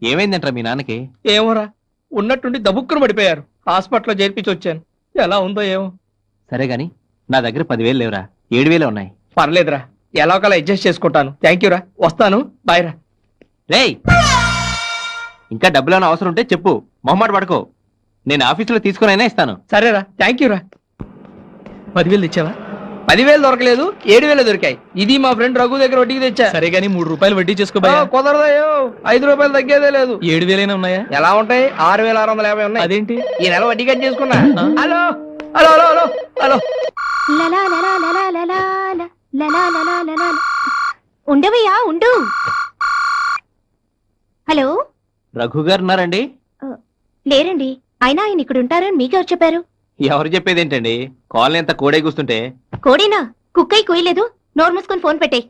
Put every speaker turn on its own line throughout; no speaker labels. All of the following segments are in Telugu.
ఏమైందంట్రా మీ నాన్నకి?
ఏమోరా, ఉన్నట్టుండి దబుక్కును పడిపోయారు. హాస్పిటల్లో చేర్పించి వచ్చాను. ఎలా ఉందో ఏమో.
సరే గాని నా దగ్గర 10,000 లేవురా, 7,000 ఉన్నాయి.
పర్లేదురా, ఎలా ఒకలా అడ్జస్ట్ చేసుకుంటాను. థ్యాంక్ యూరా, వస్తాను. బాయ్ రా.
రేయ్, ఇంకా డబ్బులు అవసరం ఉంటే చెప్పు, మొహమాట పడుకో. నేను ఆఫీసులో తీసుకునైనా ఇస్తాను.
సరేరా, థ్యాంక్ యూరా. 10,000 తెచ్చావా? 10,000 దొరకలేదు, 7,000 దొరికాయి. ఇది మా ఫ్రెండ్ రఘు దగ్గర వడ్డీకి తెచ్చా.
సరే గానీ 3 రూపాయలు వడ్డీ చేసుకో.
కుదరదయ్యో, 5 రూపాయలు తగ్గేదే లేదు.
7,000 ఉన్నాయా?
ఎలా ఉంటాయి? 6,650 ఉన్నాయి.
అదేంటి?
ఈ నెల వడ్డీ కట్ చేసుకున్నా. Hello hello hello hello hello.
ఉండవయ్యా, ఉండు. హలో,
రఘు గారు ఉన్నారండి?
లేరండి. అయినా ఆయన ఇక్కడ ఉంటారని మీకెవరు చెప్పారు?
ఎవరు చెప్పేదేంటండి, కాలనీ అంతా కోడే కూస్తుంటే.
కోడేనా? కుక్కై కోయలేదు. నోరు మూసుకొని ఫోన్ పెట్టేయ్.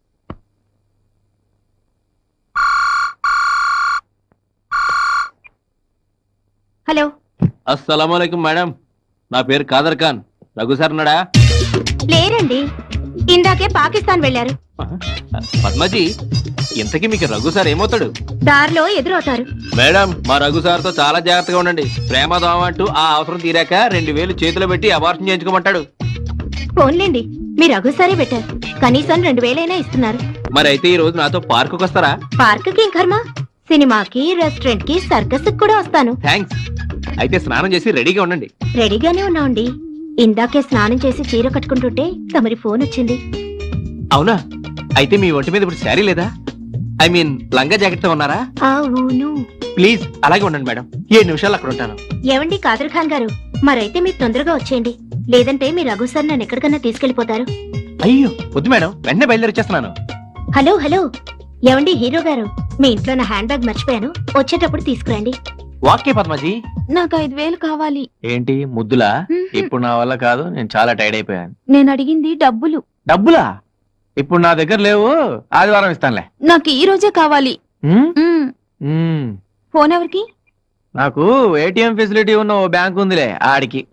హలో.
అస్సలాముఅలైకుం మేడం, నా పేరు కాదర్ ఖాన్. రఘు సార్ ఉన్నాడా?
లేరండి, ఇందాకే పాకిస్తాన్ వెళ్లారు.
పద్మజీ, ఇంతకీ మీకు రఘు సార్ ఏమవుతాడు?
దారిలో ఎదురవుతారు.
మేడం, మా రఘు సార్తో చాలా జాగ్రత్తగా ఉండండి. ప్రేమ దోమ అంటూ ఆ అవసరం తీరాక 2,000 చేతిలో పెట్టి అబార్షన్ చేయించుకోమంటాడు.
ఫోన్లేండి, మీ రఘుసారే పెట్టారు. కనీసం 2,000 ఇస్తున్నారు.
మరైతే ఈ రోజు నాతో పార్కుకి వస్తారా?
పార్కుకి కర్మ, సినిమాకి, రెస్టారెంట్ కి, సర్కస్ కూడా వస్తాను.
థ్యాంక్స్. అయితే స్నానం చేసి రెడీగా ఉండండి.
రెడీగానే ఉన్నాండి. ఇందాకే స్నానం చేసి చీర కట్టుకుంటుంటే తమరి ఫోన్ వచ్చింది.
అవునా? అయితే మీ ఒంటి మీద ఇప్పుడు శారీ లేదా? ఐ మీన్ లంగా జాకెట్ తో ఉన్నారా?
అవును.
ప్లీజ్ అలాగే ఉండండి మేడం, 7 నిమిషాలు అక్కడ ఉంటాను.
ఏవండి కాదర్ ఖాన్ గారు, మరైతే మీరు తొందరగా వచ్చేయండి. లేదంటే మీ రఘు సార్ నన్ను ఎక్కడికన్నా తీసుకెళ్లిపోతారు.
అయ్యో వద్దు మేడం, వెంటనే బయలుదేరొచ్చేస్తున్నాను.
హలో హలో, ఏవండి హీరో గారు, మీ ఇంట్లో నా హ్యాండ్ బ్యాగ్ మర్చిపోయాను, వచ్చేటప్పుడు తీసుకురండి.
వాక్య పద్మజీ.
నాకు 5,000 కావాలి.
ఏంటి ముద్దులా? ఇప్పుడు నా వల్ల కాదు, నేను చాలా టైర్డ్ అయిపోయాను.
నేను అడిగింది డబ్బులు.
డబ్బులా? ఇప్పుడు నా దగ్గర లేవు, ఆదివారం ఇస్తానులే.
నాకు ఈ రోజే కావాలి. ఫోన్ ఎవరికి?
నాకు ఏటీఎం ఫెసిలిటీ ఉన్న ఓ బ్యాంక్ ఉందిలే, ఆడికి.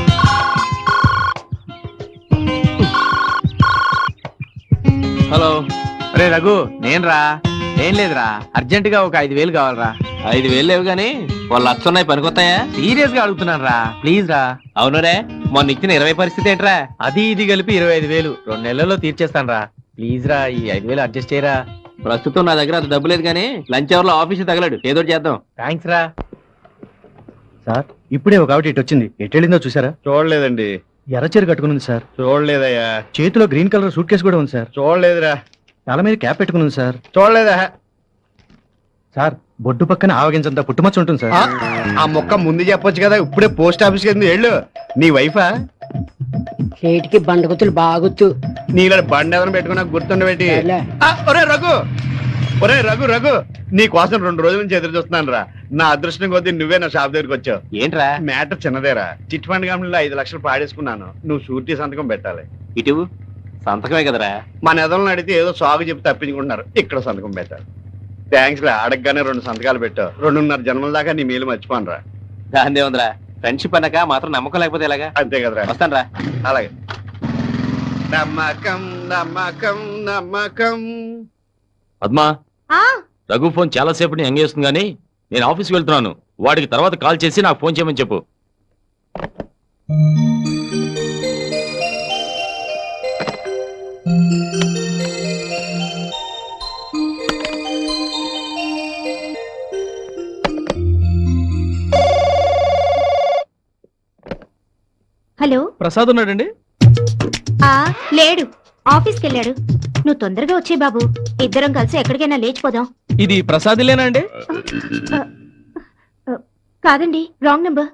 హలో. రే రఘు, నేను రా. ఏం లేదురా, అర్జెంట్ గా ఒక 5,000 కావాలరా. 5,000 లేవు గానీ వాళ్ళు 1,00,000 ఉన్నాయి, పనికొస్తాయా? సీరియస్ గా అడుగుతున్నాను రా, ప్లీజ్ రా. అవును రే, మొన్న ఇచ్చిన 20 పరిస్థితి ఏంట్రా? అది ఇది కలిపి 25,000 2 నెలల్లో తీర్చేస్తాను రా. ప్లీజ్ రా, ఈ 5,000 అడ్జస్ట్ చేయరా. ప్రస్తుతం నా దగ్గర అంత డబ్బు లేదు కానీ లంచ్ అవర్ లో ఆఫీస్ తగలడు, ఏదో చేద్దాం. థ్యాంక్స్ రా.
సార్, ఇప్పుడే ఒక ఆవిడ ఇటు వచ్చింది. ఎట్టెళ్ళిందో చూసారా?
చూడలేదండి.
ఎర్రచీర కట్టుకుని సార్.
చూడలేదయ్యా.
చేతిలో గ్రీన్ కలర్ సూట్ కేసు కూడా ఉంది సార్.
చూడలేదురా.
తల మీద క్యాప్ పెట్టుకుని సార్.
చూడలేదా
సార్? బొడ్డు పక్కన ఆవగించంత పుట్టుమచ్చ ఉంటుంది సార్.
ఆ మొక్క ముందు చెప్పొచ్చు కదా, ఇప్పుడే పోస్ట్ ఆఫీస్ కి వెళ్ళు. నీ వైఫా?
చేటికి బండగుతులు బాగుతూ
నీళ్ళ బండి ఏదైనా పెట్టుకున్నా గుర్తుండబెట్టి. ఒరే రఘు, ఒరే రఘు రఘు, నీ కోసం 2 రోజుల నుంచి ఎదురు చూస్తున్నాను రా. నా అదృష్టం కొద్దీ నువ్వే నా షాప్ దగ్గరికి వచ్చావు.
ఏంట్రా?
మ్యాటర్ చిన్నదేరా. చిట్ ఫండ్ కంపెనీలో 5 లక్షలు పాడేసుకున్నాను. నువ్వు షూరిటీ సంతకం పెట్టాలి.
ఇటు సంతకమే కదరా.
మన ఎదలను అడిగితే ఏదో సాగు చెప్పి తప్పించుకుంటున్నారు. ఇక్కడ సంతకం పెట్టాలి. థ్యాంక్స్ రా, అడగగానే 2 సంతకాలు పెట్టావు. 2.5 జన్మల దాకా నీ మేలు మర్చిపోను రా.
దాందే ఉందిరా, ఫ్రెండ్షిప్ అన్నాక మాత్రం నమ్మకం లేకపోతే ఎలాగా?
అంతే కదరా.
వస్తాను రా.
అలాగే. నమ్మకం నమ్మకం నమ్మకం.
పద్మా, రఘు ఫోన్ చాలా సేపటి ఎంగేస్తుంది గానీ నేను ఆఫీస్కి వెళ్తున్నాను. వాడికి తర్వాత కాల్ చేసి నాకు ఫోన్ చేయమని చెప్పు.
హలో.
ప్రసాద్ ఉన్నాడండి?
లేడు, ఆఫీస్కి వెళ్ళాడు. నువ్వు తొందరగా వచ్చే బాబు, ఇద్దరం కలిసి ఎక్కడికైనా లేచిపోదాం.
ఇది ప్రసాద్లేనా అండి?
కాదండి, రాంగ్ నెంబర్.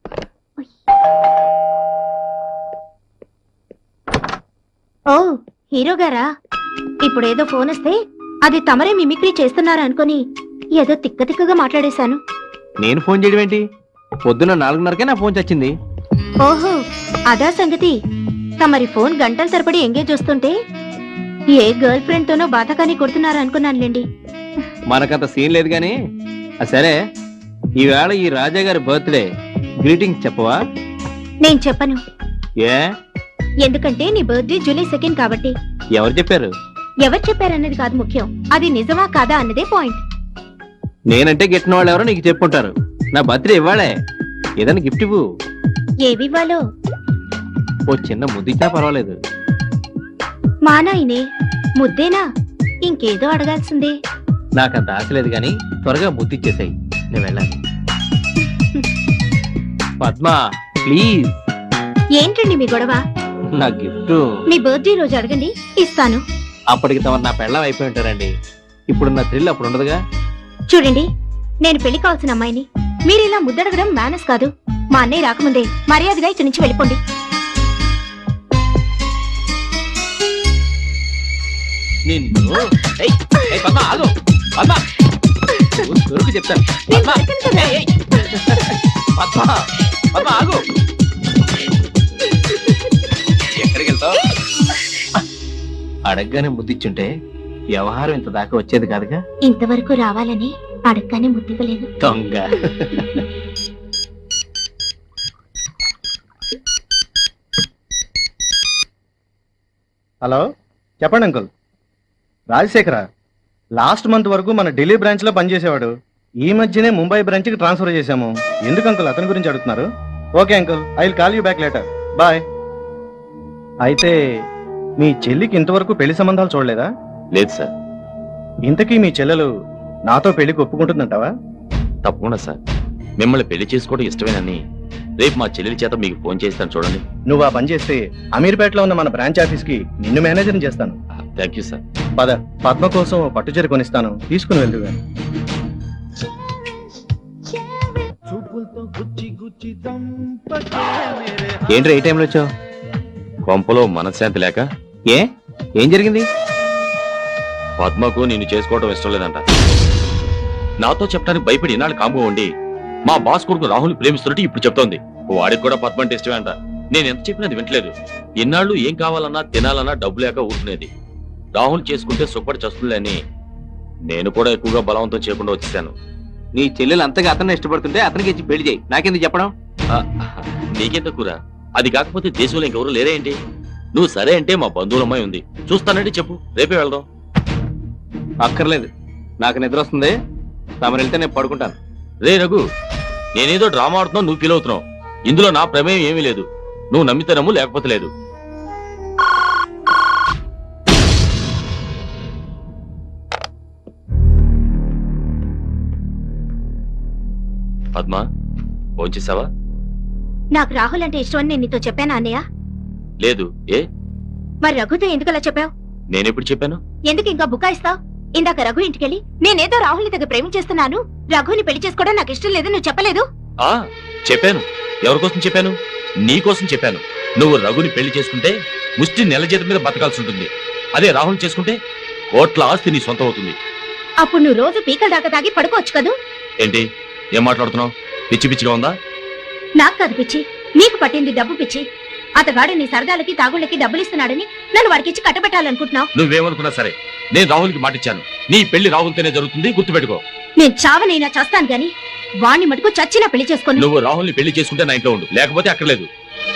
ఓ హీరో గారా? ఇప్పుడేదో ఫోన్ వస్తే అది తమరే మిమిక్రీ చేస్తున్నారా అనుకుని ఏదో తిక్క తిక్కగా మాట్లాడేశాను.
నేను ఫోన్ చేయడం ఏంటి? పొద్దున్న 4:30కే నా ఫోన్ చచ్చింది.
ఓహో, అదా సంగతి. తమరి ఫోన్ గంటల తరబడి ఎంగేజ్ వస్తుంటే ఏ గర్ల్ ఫ్రెండ్ తోనో బాధకాని కొడుతున్నారా అనుకున్నానులేండి.
మనకంత సీన్ లేదు గాని. సరే, ఈవేళ ఈ రాజా గారి బర్త్డే, గ్రీటింగ్స్ చెప్పవా?
నేను చెప్పను.
ఏ?
ఎందుకంటే నీ బర్త్డే జూలై 2 కాబట్టి.
ఎవరు చెప్పారు?
ఎవరు చెప్పారన్నది కాదు ముఖ్యం, అది నిజమా కాదా అన్నదే పాయింట్.
నేనంటే గిట్టిన వాళ్ళు ఎవరో నీకు చెప్పుకుంటారు. నా బర్త్డే ఇవ్వాలే, ఏదైనా గిఫ్ట్ ఇవ్వు.
ఏవివ్వాలో
ఓ చిన్న ముద్దు ఇచ్చినా పర్వాలేదు.
మా నాయనే ముద్దేనా? ఇంకేదో అడగాల్సిందే.
నాకంత ఆశ లేదు కానీ త్వరగా ముద్దు ఇచ్చేసాయి, నేను వెళ్ళాలి. పద్మ ప్లీజ్,
ఏంటండి మీ గొడవ?
నా గిఫ్ట్.
మీ బర్త్డే రోజు అడగండి, ఇస్తాను.
అప్పటికి తమరు నా పెళ్ళం అయిపోయి ఉంటారండి. ఇప్పుడు నా థ్రిల్ అప్పుడు ఉండదుగా.
చూడండి, నేను పెళ్లి కావాల్సిన అమ్మాయిని. మీరు ఇలా ముద్దడగడం మేనస్ కాదు. మా అన్నయ్య రాకముందే మర్యాదగా ఇక్కడి నుంచి వెళ్ళిపోండి.
నిన్ను ఏయ్, ఏయ్ పద్మ ఆగు. పద్మ నువ్వు దొరికి చెప్తాను.
నేను
పద్మ
దొరికాను కదా.
ఏయ్, ఏయ్. పద్మ పద్మ ఆగు. ఎక్కడికి వెళ్తావు? అడగగానే ముద్దిచ్చుంటే వ్యవహారం ఇంత దాకా వచ్చేది కాదుగా.
ఇంతవరకు రావాలని అడగగానే ముద్దివ్వలేదు.
దొంగ.
హలో, చెప్పండి అంకుల్. రాజశేఖర లాస్ట్ మంత్ వరకు మన ఢిల్లీ బ్రాంచ్ లో పనిచేసేవాడు. ఈ మధ్యనే ముంబై బ్రాంచ్ కి ట్రాన్స్ఫర్ చేశాము. ఎందుకు అంకుల్ అతని గురించి అడుగుతున్నారు? Okay uncle, I will call you back later. Bye. అయితే మీ చెల్లికి ఇంతవరకు పెళ్లి సంబంధాలు చూడలేదా?
లేదు సార్.
ఇంతకీ మీ చెల్లెలు నాతో పెళ్లికి ఒప్పుకుంటుందంటావా?
తప్పకుండా సార్. మిమ్మల్ని పెళ్లి చేసుకోవడం ఇష్టమేనని రేపు మా చెల్లెలి చేత మీకు ఫోన్ చేస్తాను చూడండి.
నువ్వు ఆ పని చేస్తే అమీర్పేటలో ఉన్న మన బ్రాంచ్ ఆఫీస్ కి నిన్ను మేనేజర్ చేస్తాను.
Thank you sir.
పద, పద్మ కోసం ఓ పట్టుచీర కొనిస్తాను, తీసుకుని వెళ్దుగా.
ఏంట్రా ఈ టైంలో వచ్చావు?
కొంపలో మనశ్శాంతి లేక
ఏ ఏం జరిగింది?
పద్మకు నిన్ను చేసుకోవడం ఇష్టం లేదంట. నాతో చెప్పడానికి భయపడి ఇన్నాళ్ళు కాముగా ఉండి మా బాస్ కొడుకు రాహుల్ ప్రేమిస్తున్నట్టు ఇప్పుడు చెప్తోంది. వాడికి కూడా పద్మ అంటే ఇష్టమే అంట. నేను ఎంత చెప్పినా అది వింటలేదు. ఇన్నాళ్ళు ఏం కావాలన్నా తినాలన్నా డబ్బు లేక ఊరుకునేది. రాహుల్ చేసుకుంటే సుఖపడి చస్తుంది అని నేను కూడా ఎక్కువగా బలవంతం చేయకుండా వచ్చేసాను.
నీ చెల్లెలు అంతగా అతన్ని ఇష్టపడుతుంటే అతనికి ఇచ్చి పెళ్లి చేయి, నాకెందుకు చెప్పడం?
నీకెందుకురా? అది కాకపోతే దేశంలో ఇంకెవరు లేరే ఏంటి? నువ్వు సరే అంటే మా బంధువుల అమ్మాయి ఉంది, చూస్తానంటే చెప్పు, రేపే వెళ్దాం.
అక్కర్లేదు, నాకు నిద్ర వస్తుంది. తమరు వెళ్తే నేను పడుకుంటాను.
రే రఘు, నేనేదో డ్రామా ఆడుతున్నావు, నువ్వు ఫీల్ అవుతున్నావు. ఇందులో నా ప్రమేయం ఏమీ లేదు. నువ్వు నమ్మితే నమ్ము, లేకపోతే లేదు. పద్మ, ఫోన్ చేసావా?
నాకు రాహుల్ అంటే ఇష్టమని నేను నీతో చెప్పానా అన్నయ్య?
లేదు. ఏ?
మరి రఘుతో ఎందుకు అలా చెప్పావు?
నేనెప్పుడు చెప్పాను?
ఎందుకు ఇంకా బుకాయిస్తావు? ఇందాక రఘు ఇంటికెళ్ళి నేనేదో రాహుల్ని దగ్గర ప్రేమించేస్తున్నాను, రఘుని పెళ్లి చేసుకోవడం నాకు ఇష్టం లేదు నువ్వు చెప్పలేదు?
ఆ చెప్పాను. ఎవరికోసం చెప్పాను? నీ కోసం చెప్పాను. నువ్వు రఘుని పెళ్లి చేసుకుంటే ముష్టి నెల జీతం మీద బతకాల్సి ఉంటుంది. అదే రాహుల్ చేసుకుంటే కోట్ల ఆస్తి నీ సొంతం అవుతుంది.
అప్పుడు నువ్వు రోజు పీకల దాకా తాగి పడుకోవచ్చు కదూ?
ఏంటి ఏం మాట్లాడుతున్నావు? పిచ్చి పిచ్చిగా ఉందా?
నాకు కాదు పిచ్చి, నీకు పట్టింది డబ్బు పిచ్చి. అతగాడు నీ సరదాలకి తాగుళ్ళకి డబ్బులు ఇస్తున్నాడని నన్ను వాడికిచ్చి కట్టబెట్టాలనుకుంటున్నావు.
నువ్వేమనుకున్నా సరే, నేను రాహుల్కి మాటిచ్చాను. నీ పెళ్లి రాహుల్తోనే జరుగుతుంది, గుర్తుపెట్టుకో.
నేను చావనైనా చేస్తాను గాని వాణ్ణి మటుకు చచ్చినా పెళ్లి చేసుకోను.
నువ్వు రాహుల్ని పెళ్లి చేసుకుంటే నా ఇంట్లో ఉండు, లేకపోతే అక్కర్లేదు.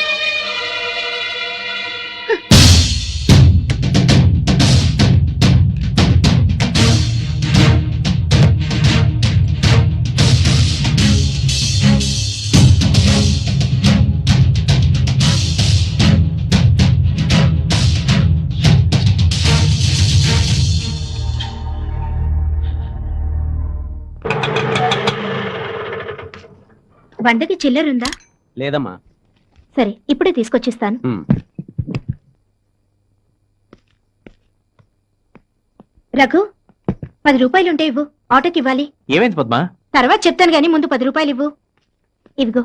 వందకి చిల్లరుందా?
లేదమ్మా.
సరే, ఇప్పుడే తీసుకొచ్చిస్తాను. రఘు, 10 రూపాయలుంటే ఇవ్వు, ఆటోకి ఇవ్వాలి.
ఏమైంది పద్మ?
తర్వాత చెప్తాను గాని ముందు 10 రూపాయలు ఇవ్వు. ఇవిగో.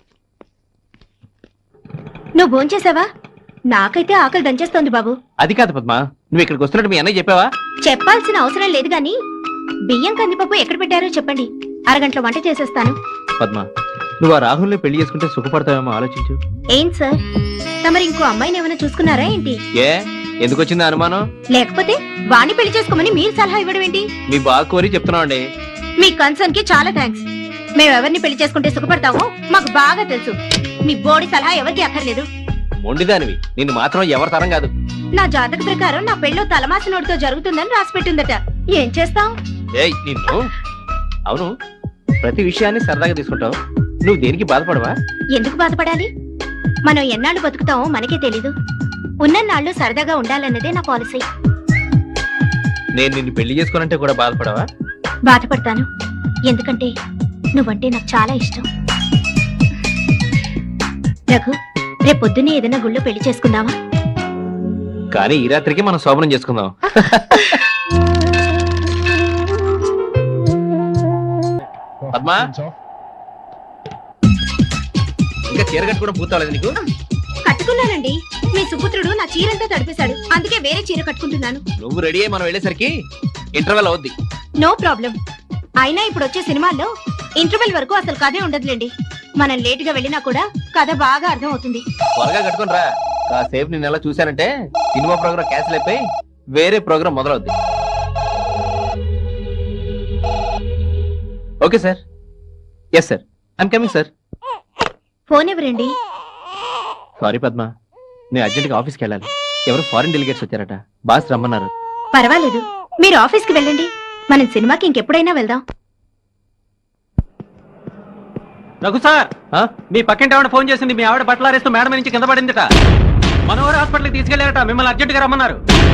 నువ్వు భోంచేసావా? నాకైతే ఆకలి దంచేస్తోంది బాబు.
అది కాదు పద్మ, నువ్వు ఇక్కడికి వస్తున్నట్టు మీ అన్నయ్య చెప్పావా?
చెప్పాల్సిన అవసరం లేదు గాని బియ్యం కందిపప్పు ఎక్కడ పెట్టారో చెప్పండి, అరగంటలో వంట చేసేస్తాను.
పద్మ, నువ్వు ఆ రాహుల్ని పెళ్లి చేసుకుంటే సుఖపడతావేమో ఆలోచించు.
ఏం సార్, తమరు ఇంకో అమ్మాయిని ఏమైనా చూసుకున్నారా ఏంటి?
ఏ ఎందుకు వచ్చింది అనుమానం?
లేకపోతే వాణ్ణి పెళ్లి చేసుకోమని మీరు సలహా ఇవ్వడం ఏంటి?
మీ బాగా కోరి చెప్తున్నావండి.
మీ కన్సర్న్ కి చాలా థ్యాంక్స్. మేమెవరిని పెళ్లి చేసుకుంటే సుఖపడతామో మాకు బాగా తెలుసు. మీ బోడి సలహా ఎవరికి అక్కర్లేదు.
మొండిదానివి, నిన్ను మాత్రం ఎవరి తరం కాదు.
నా జాతక ప్రకారం నా పెళ్ళో తలమాసినోడితో జరుగుతుందని రాసి పెట్టిందట. ఏం చేస్తాం?
ఏయ్ నిన్ను. అవును, ప్రతి విషయాన్ని సరదాగా తీసుకుంటావు, నువ్వు దేనికి బాధపడవా?
ఎందుకు బాధపడాలి? మనం ఎన్నాళ్ళు బతుకుతామో మనకే తెలీదు. ఉన్నన్నాళ్ళు సరదాగా ఉండాలన్నదే నా పాలసీ.
నేను నిన్ను పెళ్లి చేసుకోనంటే కూడా బాధపడవా?
బాధపడతాను, ఎందుకంటే నువ్వంటే నాకు చాలా ఇష్టం. రఘు, రేపు పొద్దున్నే ఏదైనా గుళ్ళో పెళ్లి చేసుకుందామా?
కానీ ఈ రాత్రికి మనం శోభనం చేసుకుందాం. పద్మా, ఇంకా చీర కట్టుకోవడం పూర్తవలేదు నీకు?
కట్టుకున్నానండి. మీ సుపుత్రుడు నా చీరంతా తడిపేశాడు, అందుకే వేరే చీర కట్టుకుంటున్నాను.
నువ్వు రెడీ అయ్యి మనం వెళ్ళేసరికి ఇంటర్వెల్ అవుద్ది.
No problem. అయినా ఇప్పుడు వచ్చే సినిమాల్లో ఇంటర్వెల్ వరకు అసలు కథే ఉండదులేండి. మనం లేట్ గా వెళ్ళినా కూడా కథ బాగా అర్థం అవుతుంది.
త్వరగా కట్టుకుని రా. కాసేపు నేను ఎలా చూశానంటే సినిమా ప్రోగ్రామ్ క్యాన్సిల్ అయిపోయి వేరే ప్రోగ్రామ్ మొదలవుద్ది. Okay sir. Yes sir, I'm coming sir.
Phone ఎవరండి?
సారీ పద్మ, నేను అర్జెంట్గా ఆఫీస్కి వెళ్ళాలి. ఎవరు ఫారిన్ డెలిగేట్స్ వచ్చారట, బాస్ రమ్మన్నారు.
పర్వాలేదు, మీరు ఆఫీస్కి వెళ్ళండి. మనం సినిమాకి ఇంకెప్పుడైనా వెళ్దాం.
రఘు సార్, మీ పక్కింటి ఆవిడ ఫోన్ చేసింది. మీ ఆవిడ బట్టలారేస్తూ మేడం నుంచి కింద పడిందిట. మనోహర్ హాస్పిటల్కి తీసుకెళ్లారట. మిమ్మల్ని అర్జెంట్గా రమ్మన్నారు.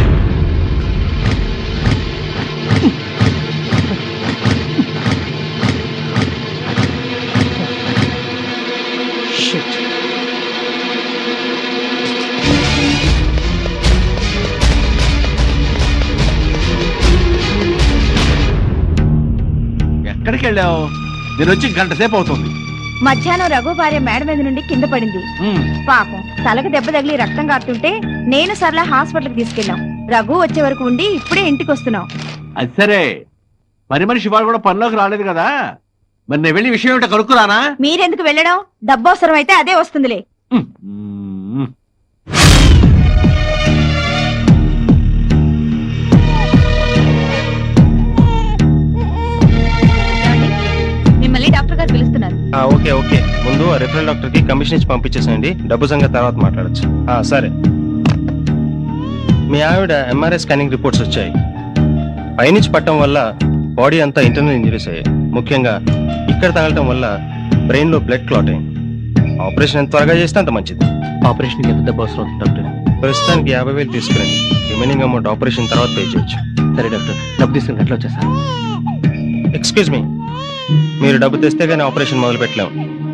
ఎక్కడికి వెళ్ళావు? నేను వచ్చి గంట సేపు అవుతుంది.
మధ్యాహ్నం రఘు భార్య మేడ మీద నుండి కింద పడింది. పాపం తలకు దెబ్బ తగిలి రక్తం కారుతుంటే నేను సర్లా హాస్పిటల్కి తీసుకెళ్ళాం. రఘు వచ్చే వరకు ఉండి ఇప్పుడే ఇంటికి వస్తున్నాం.
అది సరే, మరి మనిషి వాడు కూడా పనిలోకి రాలేదు కదా. మరి నేను వెళ్ళి విషయం ఏమిటో కనుక్కురానా?
మీరెందుకు వెళ్ళడం? డబ్బు అవసరం అయితే అదే వస్తుందిలే. మిమ్మల్ని డాక్టర్ గారు పిలుస్తున్నారు.
ఓకే ఓకే, ముందు రిఫరల్ డాక్టర్ కి కమిషన్ ఇచ్చి పంపించేసేయండి. డబ్బు సంగతి తర్వాత మాట్లాడచ్చు. సరే, మీ ఆవిడ ఎంఆర్ఐ స్కానింగ్ రిపోర్ట్స్ వచ్చాయి. పైనుంచి పట్టడం వల్ల బాడీ అంతా ఇంటర్నల్ ఇంజరీస్ అయ్యాయి. ముఖ్యంగా ఇక్కడ తగలటం వల్ల బ్రెయిన్ లో బ్లడ్ క్లాట్ అయింది. ఆపరేషన్ ఎంత త్వరగా చేస్తే అంత మంచిది.
ఆపరేషన్కి ఎంత డబ్బు అవసరం అవుతుంది డాక్టర్?
ప్రస్తుతానికి 50,000 తీసుకురండి. రిమైనింగ్ అమౌంట్ ఆపరేషన్ తర్వాత పే చేయొచ్చు.
సరే డాక్టర్, డబ్బు తీసుకుని ఎట్లా వచ్చేస్తాను?
ఎక్స్క్యూజ్ మీ, మీరు డబ్బు తెస్తే కానీ ఆపరేషన్ మొదలు పెట్టలేము.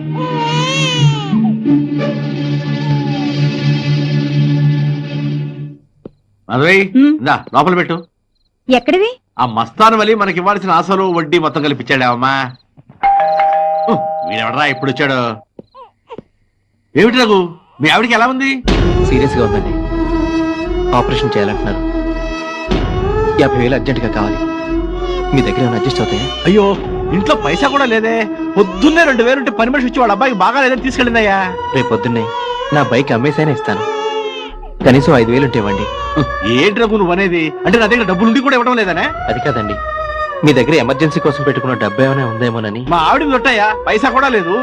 అదే లోపల పెట్టు.
ఎక్కడివి?
ఆ మస్తాన్ వలి మనకి ఇవ్వాల్సిన అసలు వడ్డీ మొత్తం కల్పించాడావమ్మా. వీడెవడరా ఇప్పుడు వచ్చాడు? ఏమిటి రఘు, మీ ఆవిడికి ఎలా ఉంది?
సీరియస్ గా ఉందండి. ఆపరేషన్ చేయాలంటున్నారు. 50,000 అర్జెంట్ గా కావాలి. మీ దగ్గర ఏమైనా అడ్జస్ట్ అవుతాయా?
అయ్యో, ఇంట్లో పైసా కూడా లేదే. పొద్దున్నే 2,000 ఉంటే పని మనిషి వచ్చి వాళ్ళ అబ్బాయికి బాగా లేదని తీసుకెళ్ళిందయ్యా.
రేపు పొద్దున్నే నా బైక్ అమ్మేసైనా ఇస్తాను. కనీసం 5,000 ఉంటే ఇవ్వండి.
ఏంటి రఘు నువ్వు అనేది? అంటే నా దగ్గర డబ్బులు ఉండి కూడా ఇవ్వడం లేదనే?
అది కాదండి, మీ దగ్గర ఎమర్జెన్సీ కోసం పెట్టుకున్న డబ్బు ఏమైనా ఉందేమోనని.
మా ఆవిడ దొట్టయ్యా, పైసా కూడా లేదు.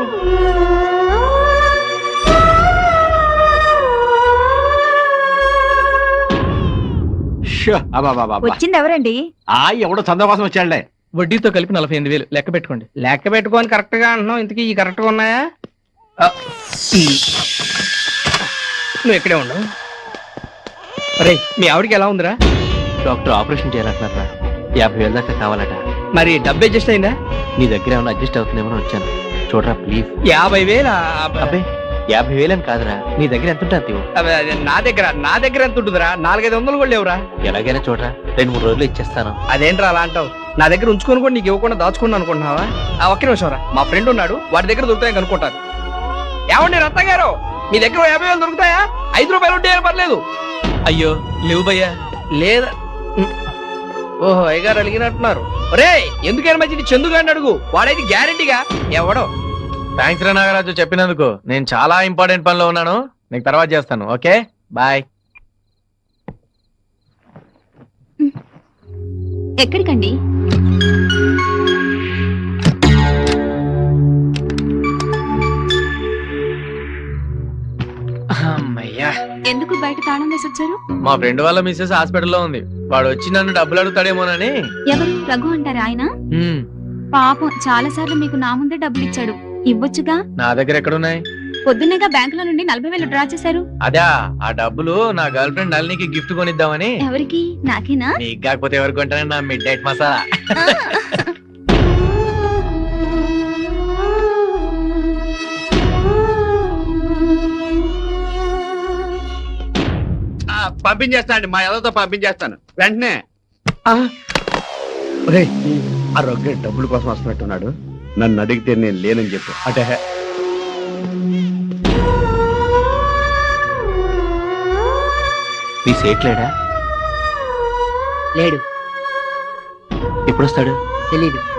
వచ్చింది ఎవరండి?
ఎవడో చందా కోసం వచ్చాడులే.
వడ్డీతో కలిపి 48,000 లెక్క పెట్టుకోండి. లెక్క పెట్టుకొని కరెక్ట్ గా అంటున్నావు. ఇంతకీ ఈ కరెక్ట్ గా ఉన్నాయా? నువ్వు ఇక్కడే ఉండవు. అరే, మీ ఆవిడకి ఎలా ఉందిరా?
Doctor operation చేయాలంటున్నారా? 50,000 దాకా కావాలట.
మరి డబ్బు అడ్జస్ట్ అయిందా?
నీ దగ్గర ఏమైనా అడ్జస్ట్ అవుతుందేమో వచ్చాను. చూడరా ప్లీజ్.
50,000?
అబ్బే, 50,000 అని కాదురా, నీ దగ్గర ఎంత ఉంటుంది?
నా దగ్గర ఎంత ఉంటుందిరా? 400-500 కూడా లేవురా.
ఎలాగైనా చూడరా, 2-3 రోజులు ఇచ్చేస్తాను.
అదేంట్రా అలా అంటావు? నా దగ్గర ఉంచుకొని కూడా నీకు ఇవ్వకుండా దాచుకున్నాను అనుకుంటున్నావా? ఒక్క నిమిషం రా, మా ఫ్రెండ్ ఉన్నాడు, వాడి దగ్గర దొరుకుతాయని కనుక్కుంటాను. ఏమండి రత్న గారు, మీ దగ్గర 50,000 దొరుకుతాయా? 5 రూపాయలు ఉంటే పర్లేదు.
అయ్యో లేవు భయ్యా.
లేదా? ఓహో, అయ్యగారు అడిగినట్టున్నారు. ఒరే, ఎందుకైనా మంచిది చందుగాడిని అడుగు, వాడైతే గ్యారెంటీగా ఎవడో.
థ్యాంక్స్ రా నాగరాజు చెప్పినందుకు. నేను చాలా ఇంపార్టెంట్ పనిలో ఉన్నాను, నీకు తర్వాత చేస్తాను. Okay bye.
ఎక్కడికండి?
అమ్మయ్యా,
ఎందుకు బయట తాళం వేసి వచ్చారు?
మా ఫ్రెండ్ వాళ్ళ మిస్సెస్ హాస్పిటల్లో ఉంది. వాడు వచ్చి నన్ను డబ్బులు అడుగుతాడేమోనని.
ఎవరు? రఘు అంటారా ఆయన?
పాపం చాలా సార్లు మీకు నా ముందే డబ్బులు ఇచ్చాడు, ఇవ్వొచ్చుగా.
నా దగ్గర ఎక్కడున్నాయి?
పొద్దున్నేగా బ్యాంకులో నుండి 40,000 డ్రా చేశారు.
అదా, ఆ డబ్బులు నా గర్ల్ ఫ్రెండ్ నళినికి గిఫ్ట్ కొనిద్దామని.
ఎవరికి? నాకేనా?
నీకు కాకపోతే ఎవరికి కొంటానని నా మిడ్ నైట్ మసాలా.
పంపించేస్తానండి, మా ఎవరితో పంపించేస్తాను వెంటనే. ఒరేయ్, ఆ రొగ్గే డబ్బుల కోసం వస్తున్నట్టున్నాడు. నన్ను అడిగితే నేను లేనని చెప్పు. అంటే
మీ సేట్లేడా?
లేడు,
ఎప్పుడు వస్తాడు?
తెలీదు.